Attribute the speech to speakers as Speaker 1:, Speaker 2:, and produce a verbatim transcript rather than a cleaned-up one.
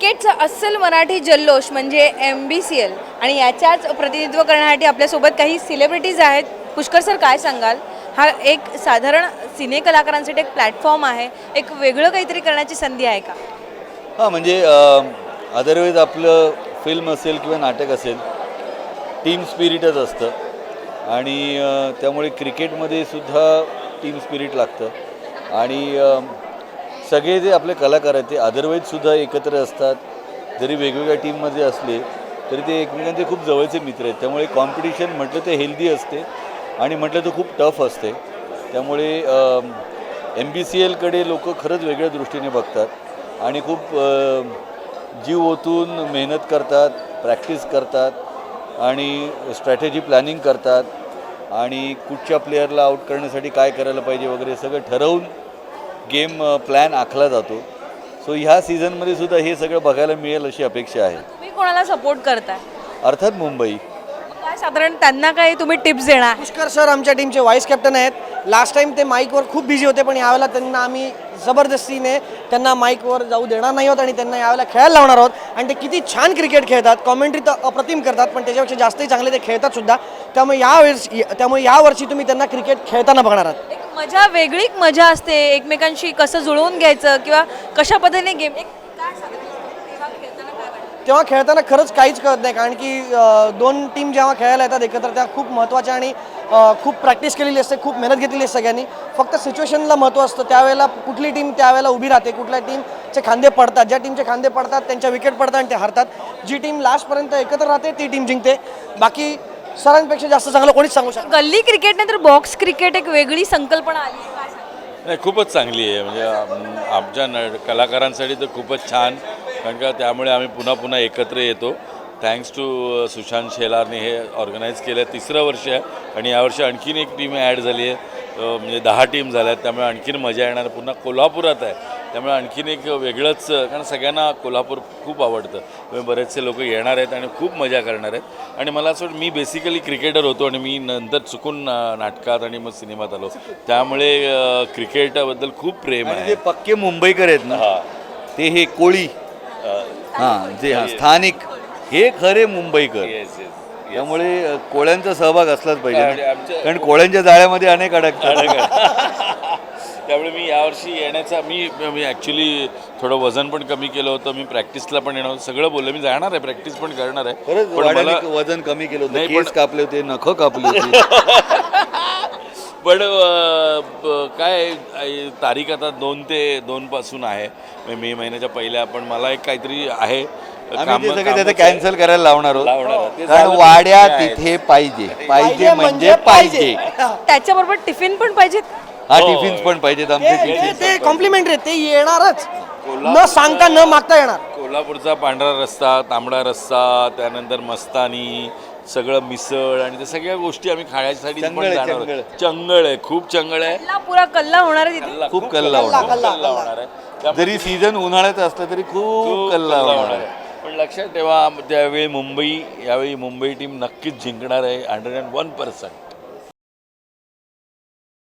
Speaker 1: क्रिकेटचा अस्सल मराठी जल्लोष म्हणजे एम बी सी एल आणि याच्याच प्रतिनिधित्व करण्यासाठी आपल्यासोबत काही सेलिब्रिटीज आहेत. पुष्कर सर, काय सांगाल? हा एक साधारण सिने कलाकारांसाठी एक प्लॅटफॉर्म आहे, एक वेगळं काहीतरी करण्याची संधी आहे का?
Speaker 2: हां, म्हणजे अदरवाईज आपलं फिल्म असेल किंवा नाटक असेल, टीम स्पिरिटच असतं आणि अ, त्यामुळे क्रिकेटमध्ये सुद्धा टीम स्पिरिट लागतं आणि अ, सगळे जे आपले कलाकार आहेत ते अदरवाईजसुद्धा एकत्र असतात. जरी वेगवेगळ्या टीममध्ये असले तरी ते एकमेकांचे खूप जवळचे मित्र आहेत. त्यामुळे कॉम्पिटिशन म्हटलं तर हेल्दी असते आणि म्हटलं तर खूप टफ असते. त्यामुळे एम बी सी एलकडे लोक खरंच वेगळ्या दृष्टीने बघतात आणि खूप अ, जीव ओतून मेहनत करतात, प्रॅक्टिस करतात आणि स्ट्रॅटेजी प्लॅनिंग करतात आणि कुठच्या प्लेयरला आऊट करण्यासाठी काय करायला पाहिजे वगैरे सगळं ठरवून गेम प्लॅन आखला जातो. सो ह्या सीझनमध्ये सुद्धा हे सगळं बघायला मिळेल अशी अपेक्षा आहे.
Speaker 1: तुम्ही कोणाला सपोर्ट करताय?
Speaker 2: अर्थात मुंबई.
Speaker 1: काय साधारण त्यांना काही तुम्ही टिप्स देणार?
Speaker 3: पुष्कर सर आमच्या टीमचे व्हाईस कॅप्टन आहेत. लास्ट टाइम ते माईकवर खूप बिझी होते, पण यावेळेला त्यांना आम्ही जबरदस्तीने त्यांना माईकवर जाऊ देणार नाही आहोत आणि त्यांना यावेळेला खेळायला लावणार आहोत. आणि ते किती छान क्रिकेट खेळतात, कॉमेंट्री तर अप्रतिम करतात, पण त्याच्यापेक्षा जास्तही चांगले ते खेळतात सुद्धा. त्यामुळे यावेळेस त्यामुळे यावर्षी तुम्ही त्यांना क्रिकेट खेळताना बघणार आहात.
Speaker 1: एक मजा, वेगळी मजा असते एकमेकांशी कसं जुळवून घ्यायचं किंवा कशा पद्धतीने गेम एक काय साधारण तेव्हा खेळताना काय वाटतं?
Speaker 3: तेव्हा खेळताना खरंच काहीच कळत नाही, कारण की अ, दोन टीम जेव्हा खेळायला येतात एकत्र त्या खूप महत्त्वाच्या आणि अ, खूप प्रॅक्टिस केलेली असते, खूप मेहनत घेतलेली असते सगळ्यांनी. फक्त सिच्युएशनला महत्त्व असतं. त्यावेळेला कुठली टीम त्यावेळेला उभी राहते, कुठल्या टीमचे खांदे पडतात. ज्या टीमचे खांदे पडतात त्यांच्या विकेट पडतात आणि ते हरतात. जी टीम लास्टपर्यंत एकत्र राहते ती टीम जिंकते. बाकी सरांपेक्षा जास्त चांगलं कोणीच सांगू शकत.
Speaker 1: गल्ली क्रिकेट नाही तर बॉक्स क्रिकेट एक वेगळी संकल्पना आली आहे. काय सांगाल?
Speaker 4: नाही, खूपच चांगली आहे. म्हणजे आम- आमच्या न कलाकारांसाठी तर खूपच छान, कारण का त्यामुळे आम्ही पुन्हा पुन्हा एकत्र येतो. थँक्स टू सुशांत शेलारने हे ऑर्गनाईज केलं. तिसरं वर्ष आहे आणि यावर्षी आणखीन एक टीम ॲड झाली आहे. अ, म्हणजे दहा टीम झाल्या आहेत, त्यामुळे आणखीन मजा येणार. पुन्हा कोल्हापुरात आहे, त्यामुळे आणखीन एक वेगळंच, कारण सगळ्यांना कोल्हापूर खूप आवडतं. त्यामुळे बरेचसे लोक येणार आहेत आणि खूप मजा करणार आहेत. आणि मला असं वाटतं, मी बेसिकली क्रिकेटर होतो आणि मी नंतर चुकून अ, नाटकात आणि मग सिनेमात आलो. त्यामुळे अ, क्रिकेटाबद्दल खूप प्रेम
Speaker 2: आणि
Speaker 4: आहे.
Speaker 2: जे पक्के मुंबईकर आहेत ना,
Speaker 4: हां.
Speaker 2: ते हे कोळी, हां, जे हां स्थानिक, हे खरे मुंबईकर.
Speaker 4: Yes, yes, yes.
Speaker 2: त्यामुळे अ, कोळ्यांचा सहभाग असलाच पाहिजे
Speaker 4: आणि
Speaker 2: ना.
Speaker 4: आमच्या-
Speaker 2: कारण कोळ्यांच्या जाळ्यामध्ये अनेक अडकतात.
Speaker 4: त्यामुळे मी यावर्षी येण्याचा मी मी ॲक्च्युली थोडं वजन पण कमी केलं होतं. मी प्रॅक्टिसला पण येणार होतं. सगळं बोललं, मी जाणार आहे, प्रॅक्टिस पण करणार आहे.
Speaker 2: खरंच
Speaker 4: पण
Speaker 2: वाड्याने
Speaker 4: मला
Speaker 2: वजन कमी केलं होतं,
Speaker 4: नाही,
Speaker 2: केस
Speaker 4: पण-
Speaker 2: कापले होते, नखं कापली होती.
Speaker 4: पण अ, ब- काय आहे, तारीख आता दोन ते दोन पासून आहे, म्हणजे मे महिन्याच्या पहिल्या. पण मला एक काहीतरी आहे
Speaker 2: आम्ही ते सगळे त्याचं
Speaker 4: कामच आहे.
Speaker 2: कॅन्सल करायला लावणार
Speaker 4: लावणार
Speaker 2: आहोत.
Speaker 4: आहोत. ते
Speaker 2: कारण
Speaker 4: झालं तर
Speaker 2: वाड्या
Speaker 4: ठीक आहे.
Speaker 2: तिथे पाहिजे, पाहिजे
Speaker 3: पाहिजे
Speaker 2: म्हणजे
Speaker 3: म्हणजे
Speaker 2: पाहिजे.
Speaker 1: त्याच्याबरोबर टिफिन पण पाहिजेत.
Speaker 2: हा,
Speaker 4: हो.
Speaker 2: टिफिन्स पण पाहिजेत आमचे
Speaker 3: ते-
Speaker 2: टिफिन.
Speaker 3: ते कॉम्प्लिमेंटरी ते येणारच, न
Speaker 4: कोल्हापूरचा-
Speaker 3: सांगता न मागता येणार.
Speaker 4: कोल्हापूरचा पांढरा रस्सा, तांबडा रस्सा, त्यानंतर मस्तानी, सगळं मिसळ आणि त्या सगळ्या गोष्टी आम्ही खाण्यासाठी
Speaker 2: चंगळ
Speaker 4: पण
Speaker 2: आहे,
Speaker 4: जाणार
Speaker 2: चंगळ.
Speaker 4: आहोत. चंगळ आहे, खूप चंगळ आहे.
Speaker 1: कल्ला पुरा कल्ला होणार आहे तिथे.
Speaker 4: कल्ला,
Speaker 2: खूप
Speaker 4: खूप
Speaker 2: कल्ला
Speaker 4: कल्ला
Speaker 2: होणार.
Speaker 4: कल्ला होणार आहे. त्यामुळे
Speaker 2: जरी सीझन उन्हाळ्यात असलं तरी खूप
Speaker 4: खूप
Speaker 2: कल्ला
Speaker 4: कल्ला
Speaker 2: होणार
Speaker 4: होणार
Speaker 2: आहे.
Speaker 4: आहे. पण लक्षात ठेवा, त्यावेळी मुंबई यावेळी मुंबई टीम नक्कीच जिंकणार आहे, हंड्रेड अँड वन पर्सेंट.